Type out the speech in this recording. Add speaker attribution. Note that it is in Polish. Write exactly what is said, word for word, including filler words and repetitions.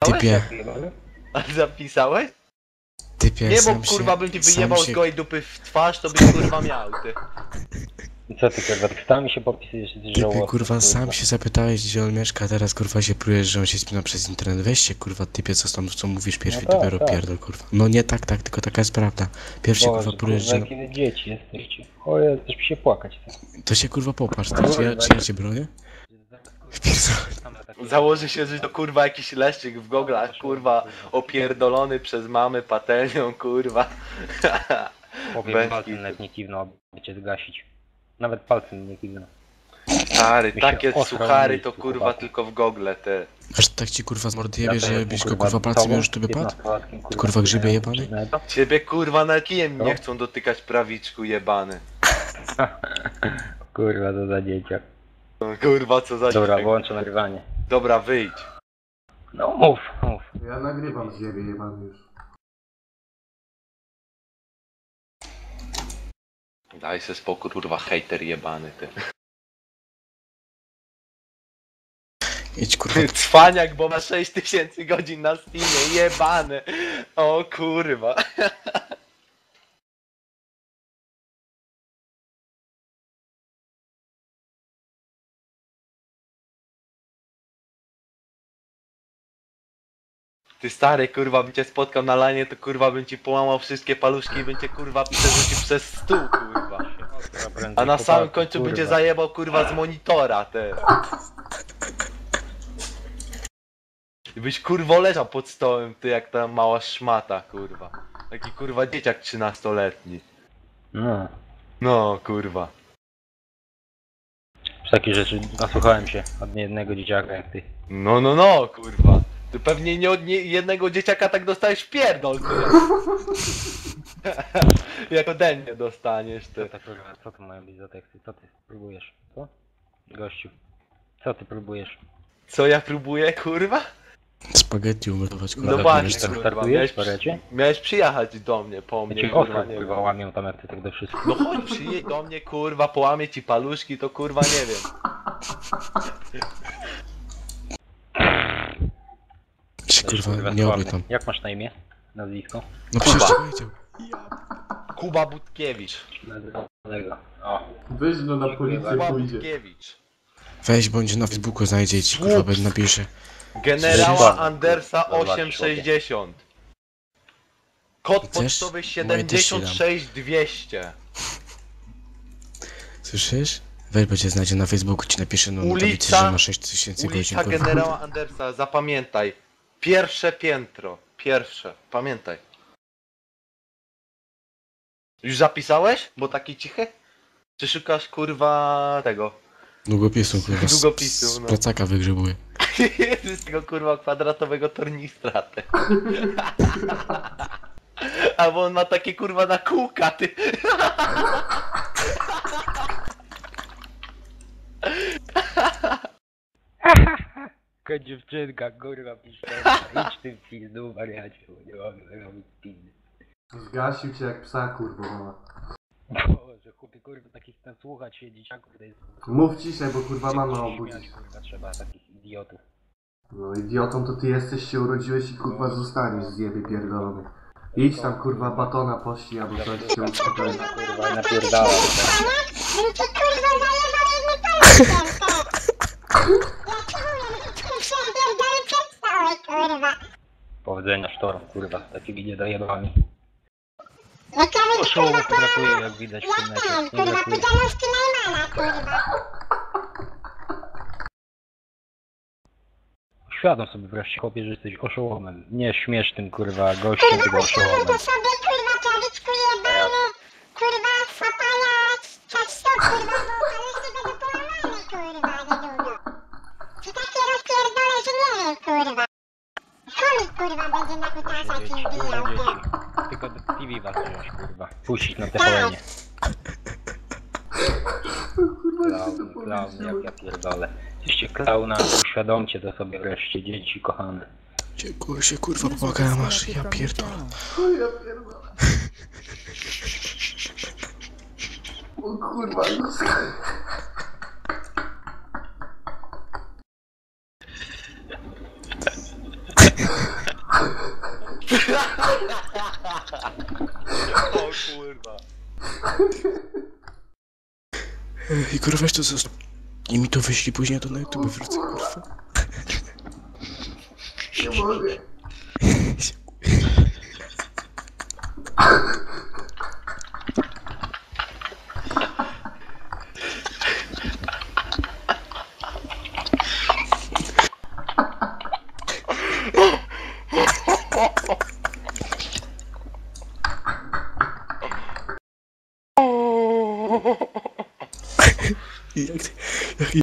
Speaker 1: Typie,
Speaker 2: A zapisałeś?
Speaker 1: typie,
Speaker 2: Nie, bo
Speaker 1: sam
Speaker 2: kurwa
Speaker 1: się,
Speaker 2: bym ci
Speaker 1: sam
Speaker 2: wyjebał z
Speaker 1: się,
Speaker 2: gołej dupy w twarz, to byś kurwa miał, ty.
Speaker 3: I co ty kurwa, tekstami się popisujesz, jesteś
Speaker 1: typie,
Speaker 3: żałosny,
Speaker 1: kurwa, sam się zapytałeś, gdzie on mieszka, a teraz kurwa się prujesz, że on się spina przez internet. Weź się, kurwa, typie, co tam, co mówisz pierwszy,
Speaker 3: No tak,
Speaker 1: dopiero
Speaker 3: tak.
Speaker 1: pierdol, kurwa. No nie tak, tak, tylko taka jest prawda. Pierwszy, kurwa,
Speaker 3: Boże,
Speaker 1: prujesz,
Speaker 3: kurwa,
Speaker 1: że...
Speaker 3: jakie wy dzieci jesteście. O ja też mi się płakać.
Speaker 1: To się, kurwa, popatrz, ty, czy ja, czy ja cię bronię?
Speaker 2: Założy się, że to kurwa jakiś leszczyk w goglach, kurwa, opierdolony przez mamy patelnią, kurwa.
Speaker 3: Powiem
Speaker 2: Bez
Speaker 3: palcem
Speaker 2: kitu.
Speaker 3: nawet nie kiwnął, aby cię zgasić. Nawet palcem nie kiwnął.
Speaker 2: Stary,
Speaker 3: Mi się
Speaker 2: takie
Speaker 3: osrał
Speaker 2: suchary
Speaker 3: miejscu,
Speaker 2: to kurwa
Speaker 3: chłopaku.
Speaker 2: tylko w gogle, te.
Speaker 1: Aż tak ci, kurwa, z mordy
Speaker 3: Ja
Speaker 1: jebie,
Speaker 3: teraz
Speaker 1: że
Speaker 3: mu,
Speaker 1: byś go, kurwa, palcem
Speaker 3: całą
Speaker 1: już tu wypadł?
Speaker 3: piętnastolatkiem,
Speaker 1: Kurwa, grzybie jebany?
Speaker 3: przyznałem.
Speaker 2: Ciebie kurwa na kijem
Speaker 3: No.
Speaker 2: nie chcą dotykać prawiczku jebany.
Speaker 3: Kurwa, to za dzieciak.
Speaker 2: No, kurwa, co za
Speaker 3: Dobra,
Speaker 2: dzieciak.
Speaker 3: wyłączę nagrywanie.
Speaker 2: Dobra, wyjdź.
Speaker 3: No mów, mów.
Speaker 4: Ja nagrywam z siebie, jebany już.
Speaker 2: Daj se spokój, kurwa, hejter jebany, ty.
Speaker 1: Idź, kurwa,
Speaker 2: Cwaniak, bo ma sześć tysięcy godzin na Steamie, jebany. O kurwa. Ty stary, kurwa, bym cię spotkał na lanie, to kurwa bym ci połamał wszystkie paluszki i bym cię kurwa przerzucił przez stół, kurwa. A na samym końcu
Speaker 3: kurwa.
Speaker 2: będzie zajebał kurwa z monitora, te. I byś kurwo leżał pod stołem, ty jak ta mała szmata, kurwa. Taki kurwa dzieciak trzynastoletni.
Speaker 3: No,
Speaker 2: No, kurwa.
Speaker 3: z takich rzeczy nasłuchałem się od niejednego dzieciaka jak ty.
Speaker 2: No, no, no, kurwa. Ty pewnie nie od nie, jednego dzieciaka tak dostajesz w pierdol, ty. Jak ode mnie dostaniesz,
Speaker 3: Co
Speaker 2: ty.
Speaker 3: to kurwa, co to mają być za teksty? Co ty próbujesz? Co? Gościu. Co ty próbujesz?
Speaker 2: Co ja próbuję, kurwa?
Speaker 1: spaghetti umytować, kurwa,
Speaker 2: No
Speaker 1: wiesz
Speaker 2: właśnie,
Speaker 1: co?
Speaker 3: Tak
Speaker 2: kurwa,
Speaker 3: startujesz,
Speaker 2: miałeś,
Speaker 3: parecie?
Speaker 2: miałeś przyjechać do mnie, po
Speaker 3: Ja
Speaker 2: mnie,
Speaker 3: cię
Speaker 2: kurwa,
Speaker 3: ostro
Speaker 2: nie
Speaker 3: kurwa
Speaker 2: wiem.
Speaker 3: łamią tam jak ty tak do wszystkich.
Speaker 2: No chodź, przyjedź do mnie, kurwa, połamie ci paluszki, to kurwa nie wiem.
Speaker 1: Się,
Speaker 3: Kurwa,
Speaker 1: kurwa, nie
Speaker 3: sławny.
Speaker 1: oby tam.
Speaker 3: Jak masz na imię? Nazwisko?
Speaker 1: No przecież ci powiedział.
Speaker 2: Kuba Butkiewicz.
Speaker 3: Nazwisko. O.
Speaker 4: Weź no na policję
Speaker 2: Kuba
Speaker 4: pójdzie.
Speaker 2: Butkiewicz.
Speaker 1: Weź, bądź na Facebooku znajdzie i ci, kurwa, będzie napisze.
Speaker 2: Generała
Speaker 3: Zobacz,
Speaker 2: Andersa
Speaker 3: kurwa, zobacz,
Speaker 2: osiemset sześćdziesiąt. Kod
Speaker 1: Chcesz?
Speaker 2: pocztowy
Speaker 1: Moje też
Speaker 2: siedemdziesiąt
Speaker 1: ci
Speaker 2: sześć dwieście.
Speaker 1: Słyszysz? Weź, bo cię znajdzie na Facebooku, ci napisze no, na tablicy,
Speaker 2: Ulica-
Speaker 1: że ma sześć tysięcy godzin,
Speaker 2: Ulica
Speaker 1: kurwa.
Speaker 2: Generała Andersa, zapamiętaj. Pierwsze piętro. Pierwsze. Pamiętaj. Już zapisałeś? Bo taki cichy? Czy szukasz kurwa tego?
Speaker 1: Długopisu, kurwa, z,
Speaker 2: Długopisu,
Speaker 1: z
Speaker 2: no.
Speaker 1: plecaka wygrzebuje.
Speaker 2: Z tego kurwa kwadratowego tornistra, ty. Albo on ma takie kurwa na kółka, ty.
Speaker 3: Jaka dziewczynka, kurwa, pisze. Idź ty w pizdu, wariacie, bo nie mogę robić pizdy.
Speaker 4: Zgasił cię jak psa, kurwa mama.
Speaker 3: Boże, chłopie, kurwa, takich tam słuchać się dzieciaków, to jest...
Speaker 4: Mów ciszej, bo kurwa mama
Speaker 3: się
Speaker 4: obudzi.
Speaker 3: śmiać, kurwa, trzeba takich idiotów.
Speaker 4: No idiotą to ty jesteś, się urodziłeś i kurwa zostaniesz, zjebie pierdolony. Idź tam kurwa batona pościg, albo coś się uspokoi.
Speaker 3: Kurwa, napierdala. Powodzenia sztorm, kurwa, z takimi niedojebami. Oszołomów brakuje, jak widać w tym mecie. Nie brakuje. Świadom sobie wreszcie, chłopie, że jesteś oszołomem. Nie śmiesznym, kurwa, gościem, tylko oszołomem.
Speaker 5: Kurwa, sobie kurwa prawiczku jebany, kurwa, papajać, czas to kurwa, bo ale się będę połamany, kurwa, niedługo. To takie rozpierdolę, że nie wiem, kurwa. Chomik, kurwa, będzie na kutasa ci
Speaker 3: Dzieci,
Speaker 5: wbijał,
Speaker 3: kurwa,
Speaker 5: ty.
Speaker 3: dzieci. Tylko do T V was wziąć, kurwa. Puścić na T V N-ie. Klaun, klaun, jak ja pierdolę. Jesteście klauna, uświadomcie to sobie wreszcie, dzieci kochane.
Speaker 1: Dziękuję się, kurwa, pomagałem masz, ja pierdolę.
Speaker 4: O ja pierdolę. O kurwa, no
Speaker 2: O kurwa.
Speaker 1: I kurwa, weź to zostaw. I mi to wyślij później, to na YouTube wrócę, kurwa.
Speaker 4: Nie mogę.